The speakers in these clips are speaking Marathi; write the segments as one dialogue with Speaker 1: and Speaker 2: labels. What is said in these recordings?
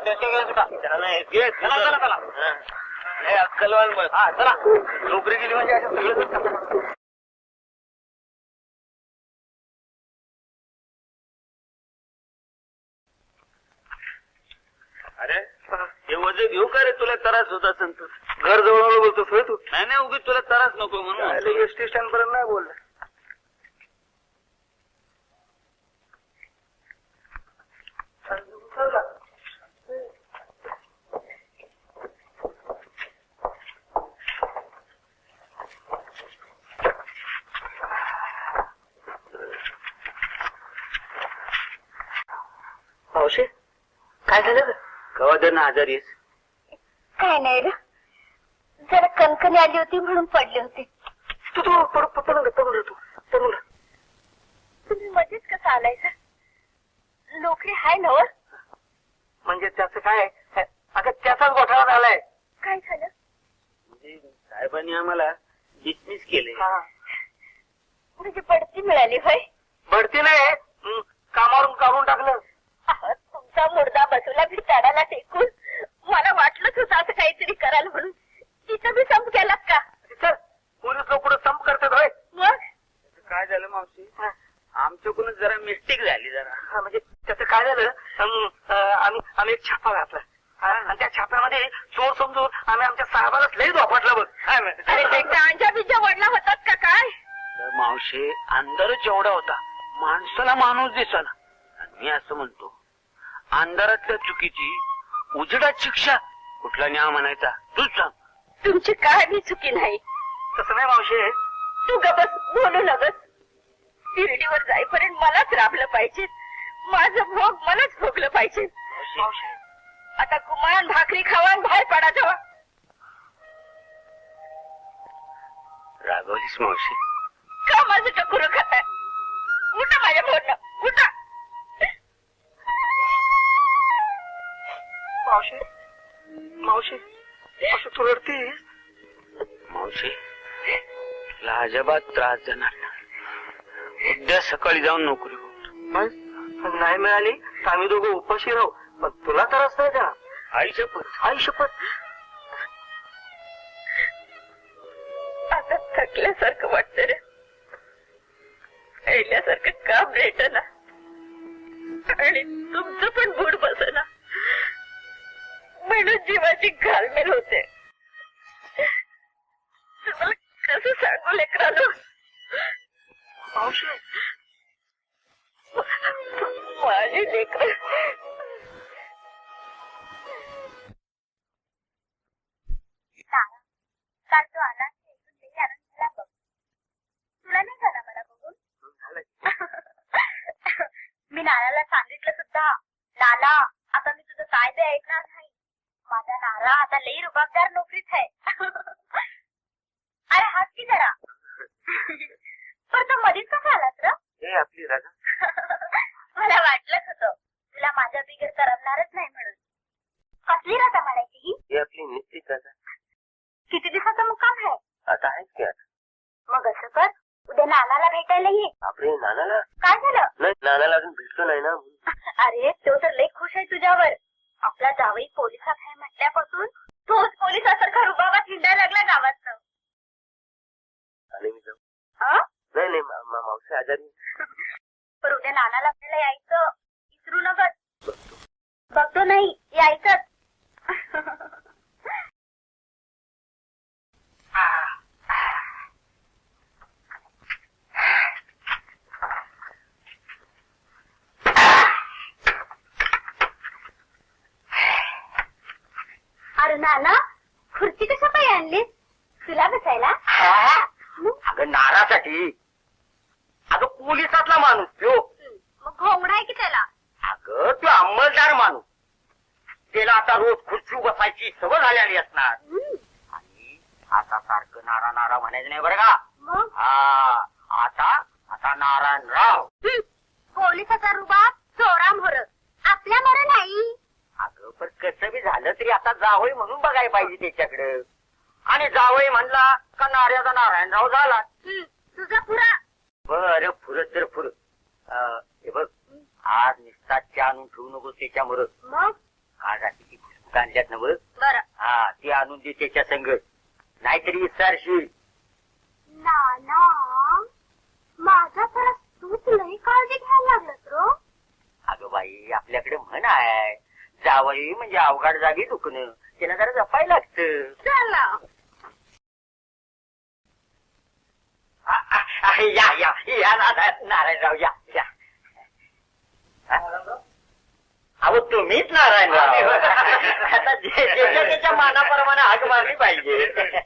Speaker 1: अक्कलवान बस. हा चला, नोकरी गेली म्हणजे असं सगळं. अरे हे वजे घेऊ का रे? तुला त्रास होत असेल तर घर जवळ बोलतोस तू. नाही नाही, उगीच तुला त्रास नको म्हणून. एसटी स्टँड पर्यंत नाही बोलला. मावशी काय झालं? कवा दर ना आजारी आहेस?
Speaker 2: काय नाही रे, जरा कणकणी आली होती म्हणून पडले होते.
Speaker 1: तू पडून
Speaker 2: तुम्ही मध्येच कसं आलायचं? नोकरी हाय ना?
Speaker 1: म्हणजे त्याचं काय? अगं त्याचाच घोटाळा झालाय.
Speaker 2: काय झालं?
Speaker 1: म्हणजे साहेबांनी आम्हाला डिसमिस केले.
Speaker 2: म्हणजे बढती मिळाली होय?
Speaker 1: बढती नाही, कामावरून काढून टाकलं.
Speaker 2: तुमचा मुर्दा बसूला भिताडाला टेकून मला वाटलंच होतं असं काहीतरी कराल म्हणून. तिथं बी संप केलात का?
Speaker 1: सर पोलीस लोक पुढे संप करतात होय.
Speaker 2: मग
Speaker 1: काय झालं मावशी? आमच्याकडून जरा मिस्टेक झाली जरा. म्हणजे त्याचं काय झालं, आम्ही एक छापा घातला आणि त्या छाप्यामध्ये चोर समजून आम्ही आमच्या साहेबालाच लई झोपटलं बघ.
Speaker 2: अंजा बिजा वडला होतात का काय?
Speaker 1: मावशी अंधारच एवढा होता, माणसाला माणूस दिसला. मी असं म्हणतो, अंधारातल्या चुकीची उजेडात शिक्षा कुठला न्याय म्हणायचा? तूच सांग.
Speaker 2: तुमची काय बी चुकी नाही.
Speaker 1: तसं नाही मावशी.
Speaker 2: तू गबस, बोलू नगस. शिर्डीवर जाईपर्यंत मलाच राबलं पाहिजे, माझं भोग मलाच भोगलं पाहिजे. आता गुमान भाकरी खावा बाहेर पडा जावा.
Speaker 1: रागवलीस मावशी?
Speaker 2: का माझं टकुर खाताय? उठा माझ्या बोलणं, उठा.
Speaker 1: मावशी मावशी असं तू रडतीस? मावशी तुला अजिबात त्रास देणार नाही. उद्या सकाळी जाऊन नोकरी होत नाही मिळाली तर आम्ही दोघं उपाशी राहू, पण तुला त्रास नाही देणार. आई शपथ, आई शपथ.
Speaker 2: आता थकल्यासारखं वाटतं रे, पहिल्यासारखं काम भेटना आणि तुमचं पण बूड बसना म्हणून जीवाची घालमेल होते. तुम्हाला कसं सांगू लेकरांनो? माझी लेकर काल तो आला तुला नाही झाला मला बघून? मी नानाला सांगितलं सुद्धा, नाना आता मी तुझं काय ते ऐकणार नाही. माझा नारा आता लई रुबाबदार नोकरीत आहे. अरे हात की जरा. पण तो मधीच कसा आलास र?
Speaker 1: हे आपली राजा.
Speaker 2: मला वाटलंच होतं तुला माझ्या बिगर करमणारच नाही म्हणून. कसली राजा म्हणायची ही?
Speaker 1: हे आपली निश्चित राजा.
Speaker 2: किती दिवसाचा मुक्काम आहे?
Speaker 1: आता आहेच की. आता
Speaker 2: मग असं कर, उद्या नानाला भेटायला ये.
Speaker 1: आपले नानाला?
Speaker 2: काय झालं?
Speaker 1: नाही, नानाला अजून भेटलो नाही ना.
Speaker 2: अरे तो तर लई खुश आहे तुझ्यावर. आपला जावई पोलिसात आहे म्हटल्यापासून तोच पोलिसासारखा रुबाबात हिंडायला लागला गावात.
Speaker 1: आणि मी जाऊ?
Speaker 2: नाही
Speaker 1: नाही, मावशी आजारी.
Speaker 2: पण उद्या नानाला भेटायला यायचं, विसरू नकच. बघतो नाही यायचंच. अरे नाना, खुर्ची कशा पाय आणलीस? तुला बसायला?
Speaker 1: अगं नारासाठी. अगं पोलिसातला माणूस तो.
Speaker 2: मग घोंगडा आहे की त्याला?
Speaker 1: अगं तो अंमलदार माणूस. त्याला आता रोज खुर्ची बसायची सवय झालेली असणार. आणि आता सारखं नारा नारा म्हणायचं नाही बरं का?
Speaker 2: मग
Speaker 1: हा, आता नारायणराव.
Speaker 2: पोलिसाचा रुबाब चोरामोर, आपल्या मोर नाही.
Speaker 1: अगं पण कसं बी झालं तरी आता जावई म्हणून बघायला पाहिजे त्याच्याकडे. आणि जावई म्हणला का नार्याचा नारायणराव झाला.
Speaker 2: तुझा पुरा.
Speaker 1: बरं फुरत तर फुरत. हे बघ, आज निस्ता आणून ठेवू नको त्याच्यामुळं.
Speaker 2: मग
Speaker 3: आज ती पुस्तक आणल्यात ना बघ.
Speaker 2: बरं.
Speaker 3: हा ती आणून दे त्याच्या संग, नाहीतरी विचारशील.
Speaker 4: नाना माझा तर तूच लई काळजी घ्यायला लागलास रो.
Speaker 3: अगं बाई आपल्याकडे म्हण आहे, जावई म्हणजे अवघड जागी दुखणं, त्याला जरा जपायला लागतं.
Speaker 2: चल ना.
Speaker 3: या या या नारायणराव या या. अहो तुम्हीच नारायणराव. आता ज्याच्या त्याच्या मानाप्रमाणे हाक मारली पाहिजे.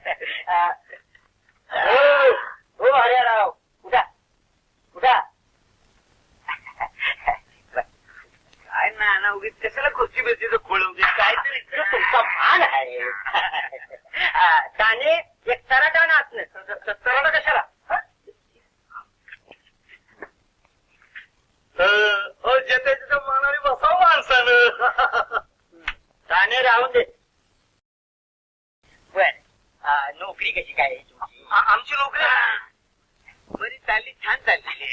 Speaker 3: हो हरिराव उठा उठा.
Speaker 1: काय ना उगीच कशाला खुर्ची बिर्चीचं खोळवते काहीतरी
Speaker 3: तुमचा भान आहे. त्याने एक तराटा नाचणं. तराटा कशाला?
Speaker 1: ज्याच्या मानाने बसावं माणसानं.
Speaker 3: ताने राहून दे. बर नोकरी कशी काय आहे तुमची?
Speaker 1: आमची नोकरी बरी चालली, छान चालली.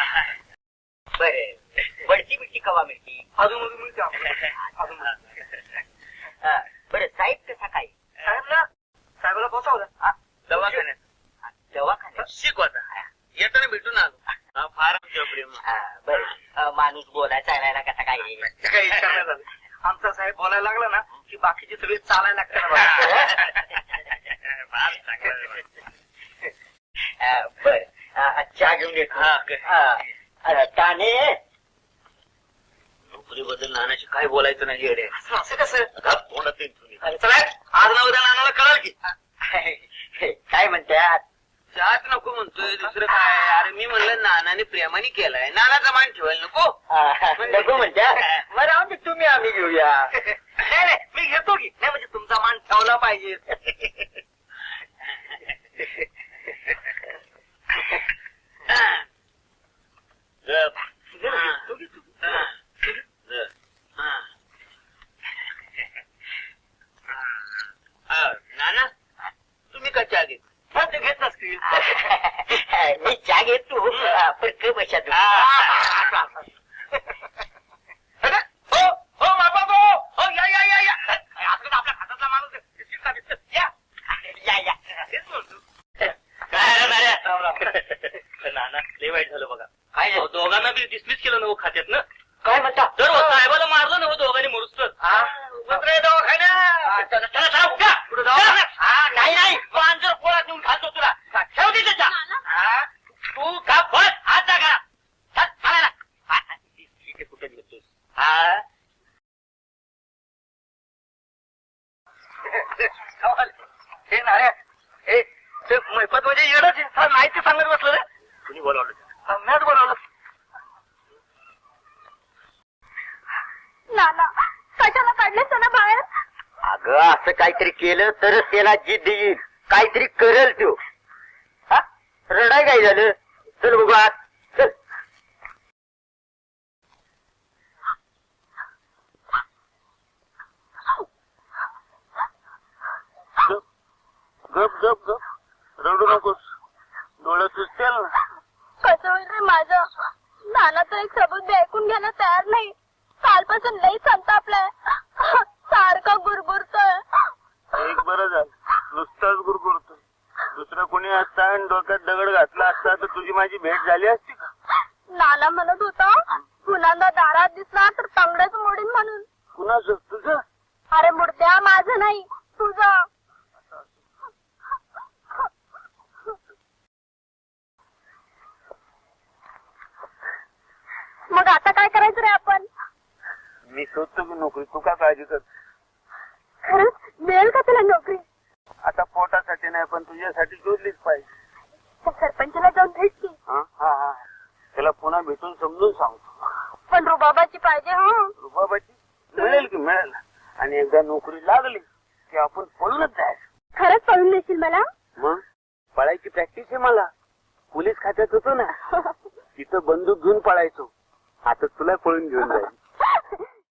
Speaker 3: बर बडती बिडती कवा मिळती?
Speaker 1: अजून मिळते आम्हाला.
Speaker 3: बरं साहेब कसा काय?
Speaker 1: साहेबाला पोचावला दवाखान्यात.
Speaker 3: दवाखान्यात
Speaker 1: शिकवायचा येताना भेटून आलो. फार आमच्या प्रेम.
Speaker 3: बर माणूस बोलाय चालायला कसा काय?
Speaker 1: काही विचार नाही झाला. आमचा साहेब बोलायला लागला ना की बाकीचे सगळे चालायला लागतात.
Speaker 3: बर चहा घेऊन येतो. ताने
Speaker 1: नोकरीबद्दल नानाशी काय बोलायचं नाही येडे.
Speaker 3: असं कसं?
Speaker 1: चला आज ना उद्या नानाला कळाल की.
Speaker 3: काय म्हणतात?
Speaker 1: चहाच नको म्हणतोय, दुसरं काय. अरे मी म्हणलं नानाने प्रेमाने केलाय, नानाचा मान ठेवायला नको.
Speaker 3: नको म्हणतात. मग राहून दे तुम्ही आम्ही घेऊया.
Speaker 1: नाही नाही मी घेतो की. नाही म्हणजे तुमचा मान ठेवला पाहिजे. नाना तुम्ही का चहा घेत? ते घेत नसतील.
Speaker 3: मी चहा घेतो पण क बशा
Speaker 1: हो हो बाबा हो या या या या. आपल्या हाताचा माणूस आहे. बिस्किट खा, बिस्किट. या
Speaker 3: या या.
Speaker 1: तेच म्हणतो.
Speaker 5: नाना लय वाईट झालं बघा.
Speaker 3: काय
Speaker 5: अहो, दोघांना बी डिसमिस केलं ना हो खात्यात ना.
Speaker 3: काय म्हणता?
Speaker 5: तर हो, साहेबाला मारलं ना हो दोघांनी मोडूस्तच.
Speaker 3: नाही नाही पांजर पोळात नेऊन घालतो तुला. ठेव दे त्याच्या. तू का बस हात जागा कुठे घेतोस?
Speaker 1: हे नाऱ्या हे ते मैपत म्हणजे येडच आहे. माहिती सांगत बसलं रे.
Speaker 5: कुणी बोलावलं?
Speaker 1: मॅच बोलावलं.
Speaker 4: नाना कशाला काढलेस ना बाहेर?
Speaker 3: अगं असं काहीतरी केलं तरच त्याला जिद्द येईल. काहीतरी करेल तो. हा रडाय काय झालं? चल बघू आत चल.
Speaker 1: गप गप गप रडू नकोस. डोळ्यात सुचतील ना.
Speaker 4: कसं होईल रे माझं? नाना तर एक सबूत बी ऐकून घ्यायला तयार नाही. कालपासून लई संतापलाय. सारखा गुरगुरतोय.
Speaker 1: एक बरं झालं नुसताच गुरगुरतो. दुसरं कोणी असता आणि डोक्यात दगड घातला असता तर तुझी माझी भेट झाली असती का?
Speaker 4: नाना म्हणत होता पुन्हा दारात दिसला तर तांगड्याच मोडीन म्हणून.
Speaker 1: कुणाचं? तुझं?
Speaker 4: अरे मुर्द्या माझं नाही तुझं. मग आता काय करायचं रे आपण?
Speaker 1: मी शोधतो की नोकरी. तू का काळजी कर?
Speaker 4: खरंच मिळेल का तुला नोकरी?
Speaker 1: आता पोटासाठी नाही पण तुझ्यासाठी शोधलीच पाहिजे.
Speaker 4: त्या सरपंचाला जाऊन भेट की.
Speaker 1: हा हा हा त्याला पुन्हा भेटून समजून सांगतो.
Speaker 4: पण रुबाबाची पाहिजे. हा
Speaker 1: रुबाबाची मिळेल की मिळेल. आणि एकदा नोकरी लागली की आपण पळूनच जायचं.
Speaker 4: खरंच पळून देशील मला?
Speaker 1: मग पळायची प्रॅक्टिस आहे मला. पोलीस खात्यात होतो ना तिथं बंदूक घेऊन पळायचो. आता तुला पळून घेऊन जाईल.